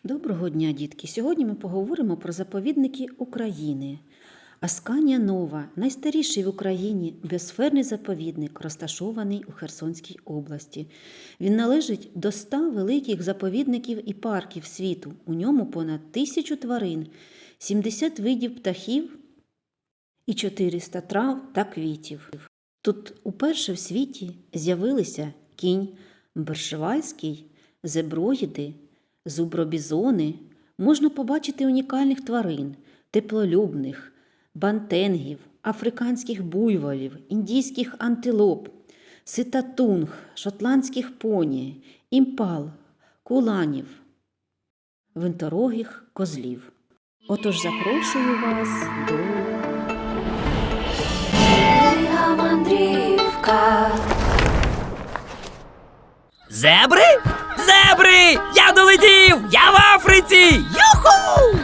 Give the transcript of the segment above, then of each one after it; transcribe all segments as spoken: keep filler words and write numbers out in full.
Доброго дня, дітки! Сьогодні ми поговоримо про заповідники України. Асканія Нова – найстаріший в Україні біосферний заповідник, розташований у Херсонській області. Він належить до ста великих заповідників і парків світу. У ньому понад тисячу тварин, сімдесят видів птахів і чотириста трав та квітів. Тут уперше в світі з'явилися кінь бершевальський, зеброїди, зубробізони. Можна побачити унікальних тварин, теплолюбних, бантенгів, африканських буйволів, індійських антилоп, ситатунг, шотландських поні, імпал, куланів, винторогих козлів. Отож запрошую вас до Моя мандрівка. Зебри? Зебри! Я долетів! Я в Африці! Юху!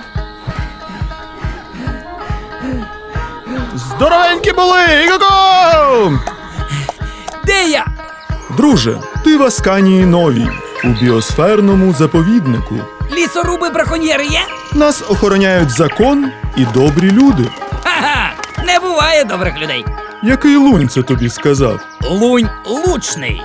Здоровенькі були! Іго-го! Де я? Друже, ти в Асканії Новій, у біосферному заповіднику. Лісоруби браконьєри є? Нас охороняють закон і добрі люди. Ха-ха! Не буває добрих людей. Який лунь це тобі сказав? Лунь лучний.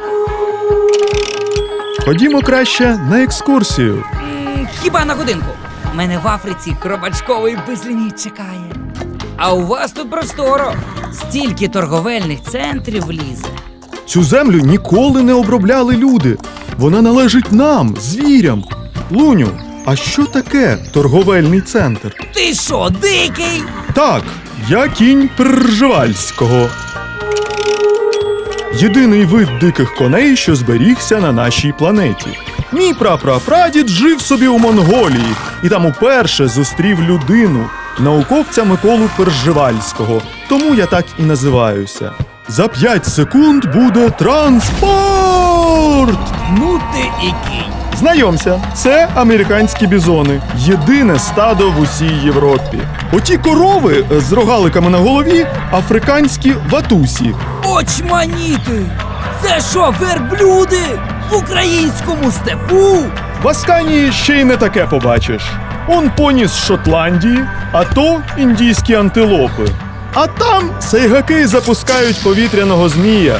Ходімо краще на екскурсію. М, хіба на годинку? Мене в Африці хробачковий безліміт чекає. А у вас тут просторо. Стільки торговельних центрів влізе. Цю землю ніколи не обробляли люди. Вона належить нам, звірям. Луню, а що таке торговельний центр? Ти що, дикий? Так, я кінь Пржевальського. Єдиний вид диких коней, що зберігся на нашій планеті. Мій прапрапрадід жив собі у Монголії і там уперше зустрів людину, науковця Миколу Пржевальського. Тому я так і називаюся. За п'ять секунд буде транспорт! Ну ти і кінь. Знайомся, це американські бізони. Єдине стадо в усій Європі. Оті корови з рогаликами на голові – африканські ватусі. Очманіти! Це що, верблюди? В українському степу? В Асканії ще й не таке побачиш. Он поні з Шотландії, а то індійські антилопи. А там сайгаки запускають повітряного змія.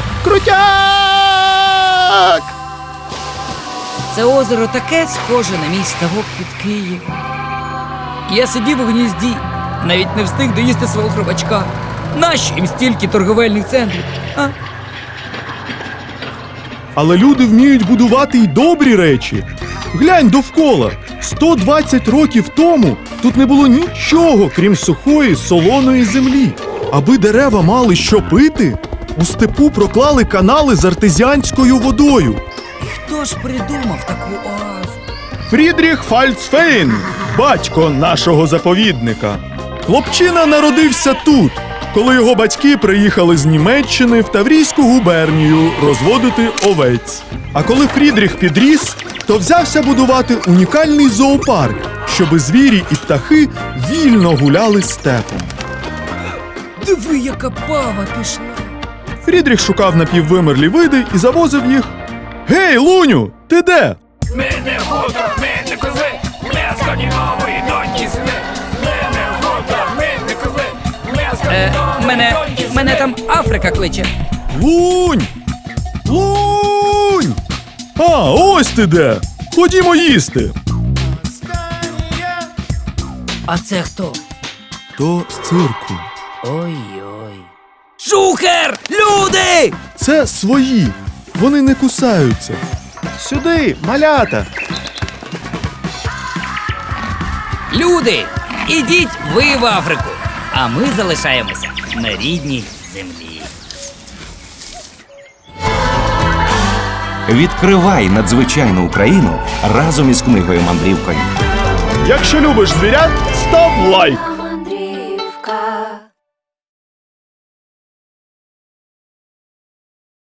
Крутяк! Це озеро таке схоже на мій ставок під Києвом. Я сидів у гнізді, навіть не встиг доїсти свого хробачка. Нащо їм стільки торговельних центрів? А? Але люди вміють будувати й добрі речі. Глянь довкола. сто двадцять років тому тут не було нічого, крім сухої, солоної землі. Аби дерева мали що пити, у степу проклали канали з артезіанською водою. І хто ж придумав таку оазу? Фрідріх Фальцфейн, батько нашого заповідника. Хлопчина народився тут, коли його батьки приїхали з Німеччини в Таврійську губернію розводити овець. А коли Фрідріх підріс, то взявся будувати унікальний зоопарк, щоби звірі і птахи вільно гуляли степом. Диви, яка пава пішла. Фрідріх шукав напіввимерлі види і завозив їх. Гей, Луню, ти де? Ми не хутор, ми не козли, ми Асканії Нової доньки сини. Ми не хутор, ми не козли, ми Асканії Е, Нової мене, доньки сини. мене там Африка кличе. Лунь! Лунь! А, ось ти де! Ходімо їсти! А це хто? То з цирку. Ой-ой. Шухер! Люди! Це свої. Вони не кусаються. Сюди, малята! Люди! Ідіть ви в Африку, а ми залишаємося на рідній землі. Відкривай надзвичайну Україну разом із книгою мандрівкою. Якщо любиш звірят, став лайк!